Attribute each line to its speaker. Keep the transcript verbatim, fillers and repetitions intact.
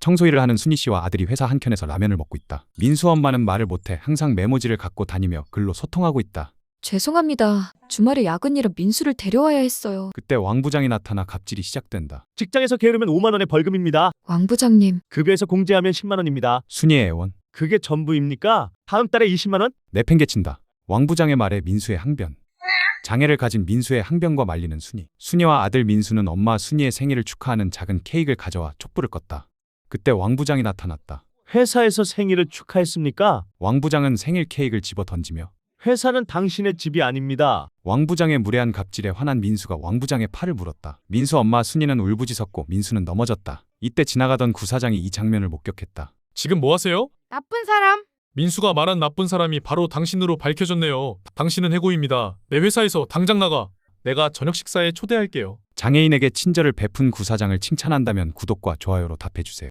Speaker 1: 청소일을 하는 순희 씨와 아들이 회사 한켠에서 라면을 먹고 있다. 민수 엄마는 말을 못해 항상 메모지를 갖고 다니며 글로 소통하고 있다.
Speaker 2: 죄송합니다. 주말에 야근이라 민수를 데려와야 했어요.
Speaker 1: 그때 왕 부장이 나타나 갑질이 시작된다.
Speaker 3: 직장에서 게으르면 오만 원의 벌금입니다.
Speaker 2: 왕 부장님,
Speaker 3: 급여에서 공제하면 십만 원입니다.
Speaker 1: 순희의 애원.
Speaker 3: 그게 전부입니까? 다음 달에 이십만 원?
Speaker 1: 내팽개친다. 왕 부장의 말에 민수의 항변. 장애를 가진 민수의 항변과 말리는 순희. 순희와 아들 민수는 엄마 순희의 생일을 축하하는 작은 케이크를 가져와 촛불을 껐다. 그때 왕 부장이 나타났다.
Speaker 3: 회사에서 생일을 축하했습니까?
Speaker 1: 왕 부장은 생일 케이크를 집어 던지며
Speaker 3: 회사는 당신의 집이 아닙니다.
Speaker 1: 왕 부장의 무례한 갑질에 화난 민수가 왕 부장의 팔을 물었다. 민수 엄마 순희는 울부짖었고 민수는 넘어졌다. 이때 지나가던 구사장이 이 장면을 목격했다.
Speaker 4: 지금 뭐 하세요?
Speaker 5: 나쁜 사람.
Speaker 4: 민수가 말한 나쁜 사람이 바로 당신으로 밝혀졌네요. 당신은 해고입니다. 내 회사에서 당장 나가. 내가 저녁 식사에 초대할게요.
Speaker 1: 장애인에게 친절을 베푼 구사장을 칭찬한다면 구독과 좋아요로 답해주세요.